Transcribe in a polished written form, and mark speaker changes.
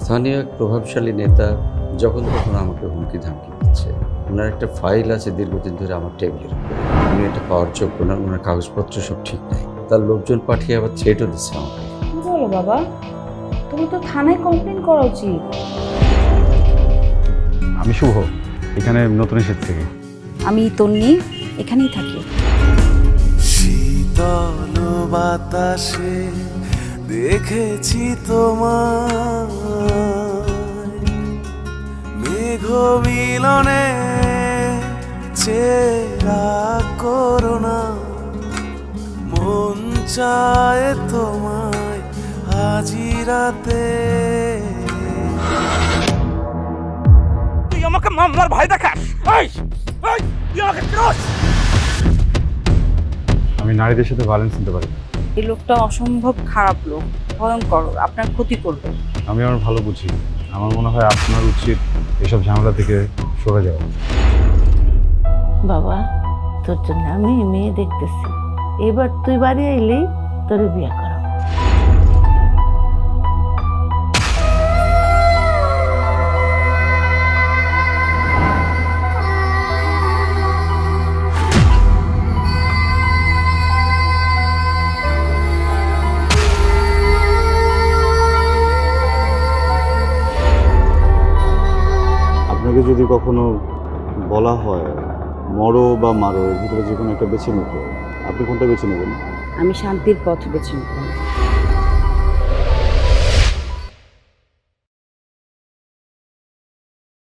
Speaker 1: স্থানীয় এক প্রভাবশালী নেতা যখন তখন আমাকে হুমকি ধামকি দিচ্ছে। ওনার একটা ফাইল আছে দীর্ঘদিন ধরে আমার টেবিলের উপরে, উনি এটা পাওয়ার যোগ্য না, ওনার কাগজপত্র সব ঠিক নাই। তার লোকজন পাঠিয়ে আবার থ্রেটও দিচ্ছে আমাকে।
Speaker 2: কি বলো বাবা, তুমি তো থানায় কমপ্লেন করা উচিত।
Speaker 3: আমি শুভ, এখানে নতুন এসেছি থেকে।
Speaker 2: আমি তন্নি, এখানেই থাকি।
Speaker 4: শীতল বাতাসে দেখেছি তোমার মেঘ মিলনে চেরা করোনা মন চায় তোমায় আজি রাতে।
Speaker 5: তুই আমাকে মামলার ভয় দেখাস? তুই আমাকে চিনস?
Speaker 3: আমি নারীদের সাথে ভায়োলেন্স নিতে পারি না।
Speaker 2: এই লোকটা অসম্ভব খারাপ লোক, ভয়ঙ্কর, আপনার ক্ষতি করবে।
Speaker 3: আমি আমার ভালো বুঝি। আমার মনে হয় আপনার উচিত এসব ঝামেলা থেকে সরে যাওয়া।
Speaker 6: বাবা, তোর জন্য আমি মেয়ে দেখতেছি, এবার তুই বাড়ি আইলেই তোর বিয়ে করা।
Speaker 7: আপনাকে যদি কখনো বলা হয় মরো বা মারো, এর ভিতরে যে কোনো একটা বেছে নিতে, আপনি কোনটা বেছে নেবেন?
Speaker 2: আমি শান্তির পথ বেছে নেব।